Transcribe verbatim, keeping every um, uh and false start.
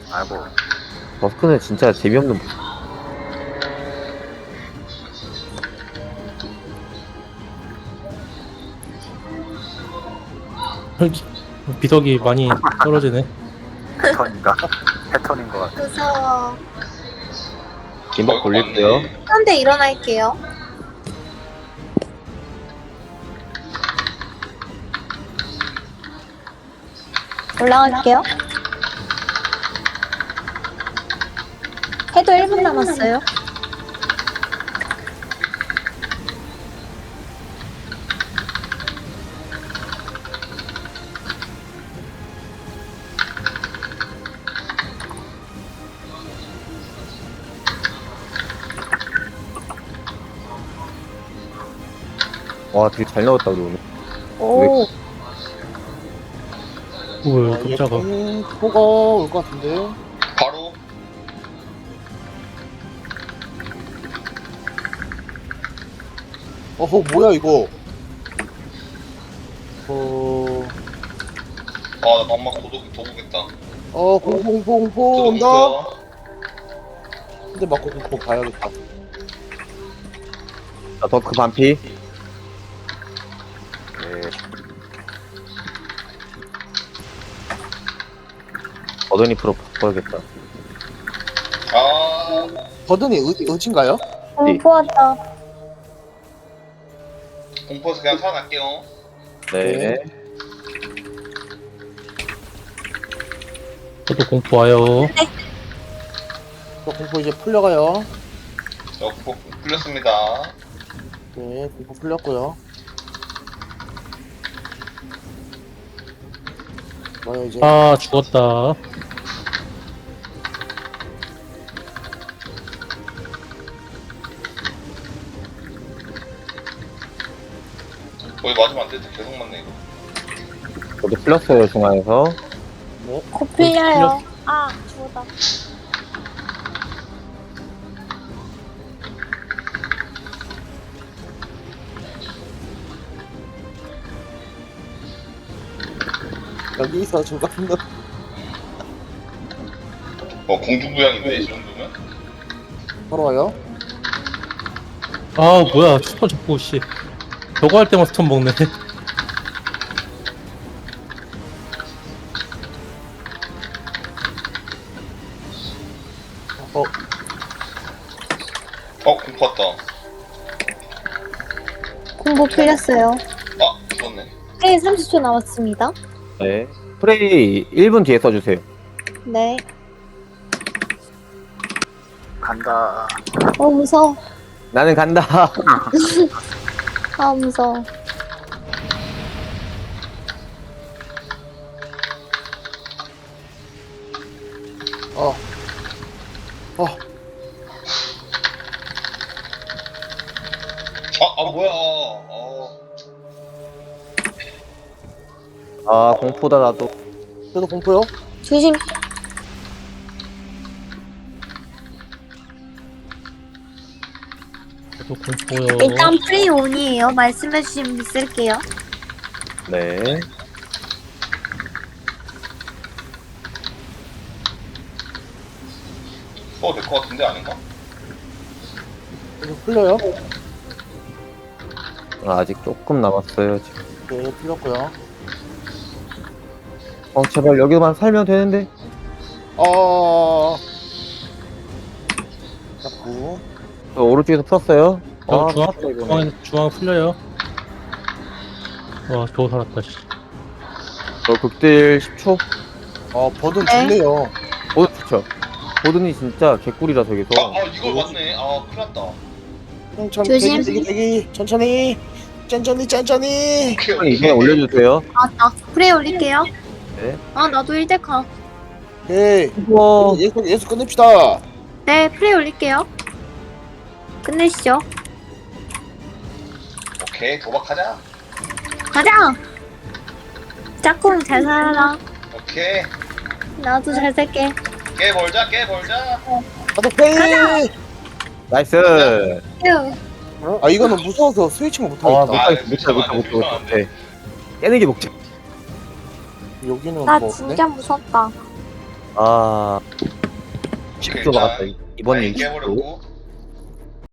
아이고. 버스크는 진짜 재미없는. 비덕이 많이 떨어지네. 패턴인가? 패턴인 것 같아. 무서워. 김밥 아이고, 돌릴게요. 맞네. 한대 일어날게요. 올라갈게요. 해도 일 분 남았어요. 와, 되게 잘 넣었다, 우리 오늘. 오, 오, 깜짝아. 음, 포가 올 것 같은데. 바로 어허, 뭐야, 이거. 어, 아나 엄마 도둑 도구겠다. 어, 공포, 공포, 공포 도둑 온다. 있고요. 근데 맞고 공포 봐야겠다. 자, 더크 반피. 네. 어드니 프로 바꿔야겠다. 아 버든이 의, 의진가요? 공포 왔다. 공포에서 그냥 살아날게요. 네. 저도 공포 와요. 저 공포 이제 풀려가요. 저 공포 풀렸습니다. 네, 공포 풀렸고요. 뭐야, 이제. 아, 죽었다. 거기 맞으면 안 되는데 계속 맞네 이거. 저도 풀렸어요, 중앙에서. 네. 코 풀려요. 아, 죽었다. 여기서 중간도. 어 공중부양인데 이 정도면? 바로 와요. 아, 뭐야. 스톤 자꾸, 씨. 저거 할 때만 스톤 먹네. 어, 어 공포 왔다. 공포 풀렸어요. 아 죽었네. 네, 삼십 초 남았습니다. 네. 프레이 일 분 뒤에 써주세요. 네. 간다. 어, 무서워. 나는 간다. 아, 무서워. 어. 어, 아, 아 뭐야. 어. 아, 공포다, 나도. 저도 공포요. 조심. 저도 공포요. 일단 프리 온이에요. 말씀해주시면 믿을게요. 네. 어 될 것 같은데 아닌가? 저도 풀려요. 아, 아직 조금 남았어요, 지금. 네, 풀렸고요. 어, 제발 여기만 살면 되는데. 어. 자꾸. 저 오른쪽에서 풀었어요. 저 아, 중앙, 풀었다, 이거는. 중앙에서, 중앙 풀려요. 와, 겨우 살았다, 씨. 저 극딜 십 초. 어, 버든 네. 좋네요. 보드 좋죠. 보드니 진짜 개꿀이라 저기서. 아, 아 이걸 맞네. 아 큰일 났다. 천천히, 조심. 대기, 대기, 대기. 천천히. 짠짠히, 짠짠히. 오케이 한번 이번에 올려주세요. 아, 나 프레이 올릴게요. 네. 아, 나도 일 대 가. 오케이. 우와. 예수, 예수 끝냅시다. 네, 프레이 올릴게요. 끝내시죠. 오케이 도박하자. 가자! 짝꿍 잘 살아라. 오케이 나도 잘 살게. 깨 벌자 깨 벌자. 가자, 페이. 나이스. 휴. 아, 이거는 무서워서 스위칭을 아, 못하겠다. 못하겠어, 못해, 못해, 못해, 못해. 깨는 게 목적. 여기는 나 뭐 없네? 진짜 무섭다. 아 오케이, 십 초 막았다 일단 이번에 라인 이십 초 깨버렸고